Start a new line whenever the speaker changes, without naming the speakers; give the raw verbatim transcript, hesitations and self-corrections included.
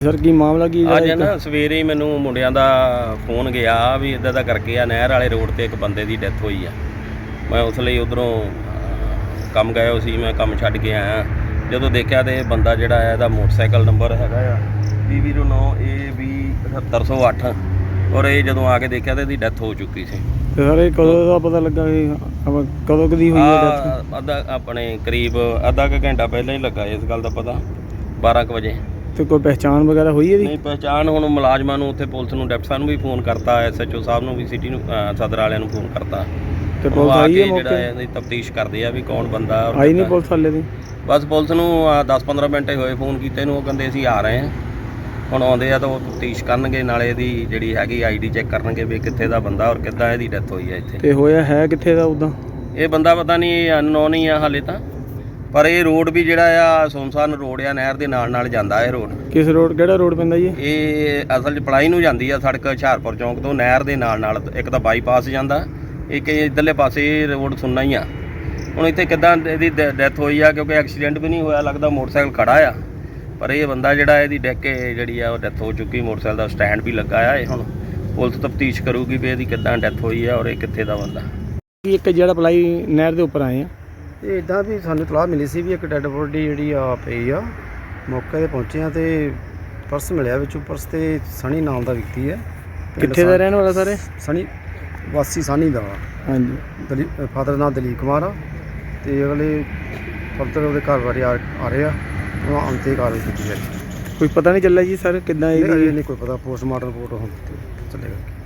Sir ਕੀ ਮਾਮਲਾ ਕੀ
ਅੱਜ ਨਾ ਸਵੇਰੇ ਹੀ ਮੈਨੂੰ ਮੁੰਡਿਆਂ ਦਾ ਫੋਨ ਗਿਆ ਵੀ ਇੱਦਾਂ ਦਾ ਕਰਕੇ ਆ ਨਹਿਰ ਵਾਲੇ ਰੋਡ ਤੇ ਇੱਕ ਬੰਦੇ ਦੀ ਡੈਥ ਹੋਈ ਆ। ਮੈਂ ਉਸ ਲਈ ਉਧਰੋਂ ਕੰਮ ਗਿਆ ਸੀ, ਮੈਂ ਕੰਮ ਛੱਡ ਕੇ ਆਇਆ। ਜਦੋਂ ਦੇਖਿਆ ਤੇ ਬੰਦਾ ਜਿਹੜਾ ਆ ਇਹਦਾ ਮੋਟਰਸਾਈਕਲ ਨੰਬਰ ਹੈਗਾ ਆ ਪੀ ਜ਼ੀਰੋ ਨੌ ਏ ਵੀ ਅਠੱਤਰ ਸੌ ਅੱਠ ਔਰ ਇਹ ਜਦੋਂ ਆ ਕੇ ਦੇਖਿਆ ਤੇ ਇਹਦੀ ਡੈਥ ਹੋ ਚੁੱਕੀ ਸੀ।
ਤੇ ਸਰ ਇਹ ਕਦੋਂ ਦਾ ਪਤਾ ਲੱਗਾ ਵੀ ਆਪਾਂ ਕਦੋਂ ਕਦੀ ਹੋਈ ਹੈ ਡੈਥ?
ਅੱਧਾ ਆਪਣੇ ਕਰੀਬ ਅੱਧਾ ਕੁ ਘੰਟਾ ਪਹਿਲਾਂ ਹੀ ਲੱਗਾ ਇਸ ਗੱਲ ਦਾ ਪਤਾ, ਬਾਰਾਂ ਕੁ ਵਜੇ।
ਤੇ ਕੋਈ ਪਹਿਚਾਣ ਵਗੈਰਾ ਹੋਈ ਇਹਦੀ?
ਨਹੀਂ ਪਹਿਚਾਣ ਹੁਣ ਮੁਲਾਜ਼ਮਾਂ ਨੂੰ ਉੱਥੇ ਪੁਲਿਸ ਨੂੰ ਡਿਪਟੀ ਸਾਹਿਬ ਨੂੰ ਵੀ ਫੋਨ ਕਰਤਾ, ਐਸ ਐਚ ਓ ਸਾਹਿਬ ਨੂੰ ਵੀ ਸਿਟੀ ਨੂੰ ਸਦਰ ਵਾਲਿਆਂ ਨੂੰ ਫੋਨ ਕਰਤਾ
ਤੇ ਪੁਲਿਸ ਆਈ ਹੈ ਮੌਕੇ?
ਜਿਹੜਾ ਇਹਦੀ ਤਫਤੀਸ਼ ਕਰਦੇ ਆ ਵੀ ਕੌਣ ਬੰਦਾ।
ਆਈ ਨਹੀਂ ਪੁਲਿਸ ਵਾਲੇ ਦੀ?
ਬਸ ਪੁਲਿਸ ਨੂੰ ਦਸ ਪੰਦਰਾਂ ਮਿੰਟ ਹੋਏ ਫੋਨ ਕੀਤੇ ਨੂੰ, ਉਹ ਕਹਿੰਦੇ ਅਸੀਂ ਆ ਰਹੇ ਹਾਂ। ਹੁਣ ਆਉਂਦੇ ਆ ਤਾਂ ਉਹ ਤਫਤੀਸ਼ ਕਰਨਗੇ, ਨਾਲੇ ਇਹਦੀ ਜਿਹੜੀ ਹੈਗੀ ਆਈ ਡੀ ਚੈੱਕ ਕਰਨਗੇ ਵੀ ਕਿੱਥੇ ਦਾ ਬੰਦਾ ਔਰ ਕਿੱਦਾਂ ਇਹਦੀ ਡੈਥ ਹੋਈ ਹੈ ਇੱਥੇ।
ਤੇ ਹੋਇਆ ਹੈ ਕਿੱਥੇ ਦਾ ਉੱਦਾਂ?
ਇਹ ਬੰਦਾ ਪਤਾ ਨਹੀਂ, ਅਨਨੋਨ ਹੀ ਆ ਹਾਲੇ ਤਾਂ, ਪਰ ਇਹ ਰੋਡ ਵੀ ਜਿਹੜਾ ਆ ਸੁਨਸਾਨ ਰੋਡ ਆ, ਨਹਿਰ ਦੇ ਨਾਲ ਨਾਲ ਜਾਂਦਾ ਇਹ ਰੋਡ।
ਕਿਸ ਰੋਡ, ਕਿਹੜਾ ਰੋਡ ਪੈਂਦਾ ਜੀ?
ਇਹ ਅਸਲ 'ਚ ਪਲਾਈ ਨੂੰ ਜਾਂਦੀ ਆ ਸੜਕ ਹੁਸ਼ਿਆਰਪੁਰ ਚੌਂਕ ਤੋਂ, ਨਹਿਰ ਦੇ ਨਾਲ ਨਾਲ ਇੱਕ ਤਾਂ ਬਾਈਪਾਸ ਜਾਂਦਾ, ਇੱਕ ਇੱਧਰਲੇ ਪਾਸੇ ਰੋਡ ਸੁਣਨਾ ਹੀ ਆ। ਹੁਣ ਇੱਥੇ ਕਿੱਦਾਂ ਇਹਦੀ ਡੈਥ ਹੋਈ ਆ, ਕਿਉਂਕਿ ਐਕਸੀਡੈਂਟ ਵੀ ਨਹੀਂ ਹੋਇਆ, ਲੱਗਦਾ ਮੋਟਰਸਾਈਕਲ ਖੜਾ ਆ, ਪਰ ਇਹ ਬੰਦਾ ਜਿਹੜਾ ਇਹਦੀ ਡਿੱਗ ਕੇ ਜਿਹੜੀ ਆ ਉਹ ਡੈਥ ਹੋ ਚੁੱਕੀ। ਮੋਟਰਸਾਈਕਲ ਦਾ ਸਟੈਂਡ ਵੀ ਲੱਗਾ ਆ। ਇਹ ਹੁਣ ਪੁਲਿਸ ਤਫਤੀਸ਼ ਕਰੂਗੀ ਵੀ ਇਹਦੀ ਕਿੱਦਾਂ ਡੈਥ ਹੋਈ ਆ ਔਰ ਇਹ ਕਿੱਥੇ ਦਾ ਬੰਦਾ।
ਇੱਕ ਜਿਹੜਾ ਪਲਾਈ ਨਹਿਰ ਦੇ ਉੱਪਰ ਆਏ ਆ,
ਇਹ ਇੱਦਾਂ ਵੀ ਸਾਨੂੰ ਇਤਲਾਹ ਮਿਲੀ ਸੀ ਵੀ ਇੱਕ ਡੈੱਡ ਬੋਡੀ ਜਿਹੜੀ ਆ ਪਈ ਆ। ਮੌਕੇ 'ਤੇ ਪਹੁੰਚੇ ਆ ਤੇ ਪਰਸ ਮਿਲਿਆ, ਵਿੱਚੋਂ ਪਰਸ ਤੇ ਸਣੀ ਨਾਮ ਦਾ ਵਿਅਕਤੀ ਹੈ।
ਕਿੱਥੇ ਦਾ ਰਹਿਣ ਵਾਲਾ ਸਾਰੇ?
ਸਣੀ ਵਾਸੀ ਸਾਨੀ ਦਾ ਵਾ।
ਹਾਂਜੀ।
ਦਲੀ ਫਾਦਰ ਨਾਮ ਦਲੀਪ ਕੁਮਾਰ ਆ ਤੇ ਅਗਲੇ ਫਰਦਰ ਉਹਦੇ ਘਰ ਬਾਰੇ ਆ ਆ ਰਹੇ ਆ, ਉਹ ਅੰਤੇ ਕਾਰਵਾਈ ਕੀਤੀ ਜਾਏ।
ਕੋਈ ਪਤਾ ਨਹੀਂ ਚੱਲਿਆ ਜੀ ਸਰ ਕਿੱਦਾਂ
ਇਹ
ਇਹਦੀ?
ਨਹੀਂ ਕੋਈ ਪਤਾ, ਪੋਸਟਮਾਰਟਮ ਰਿਪੋਰਟ ਹੁਣ ਚੱਲੇਗਾ।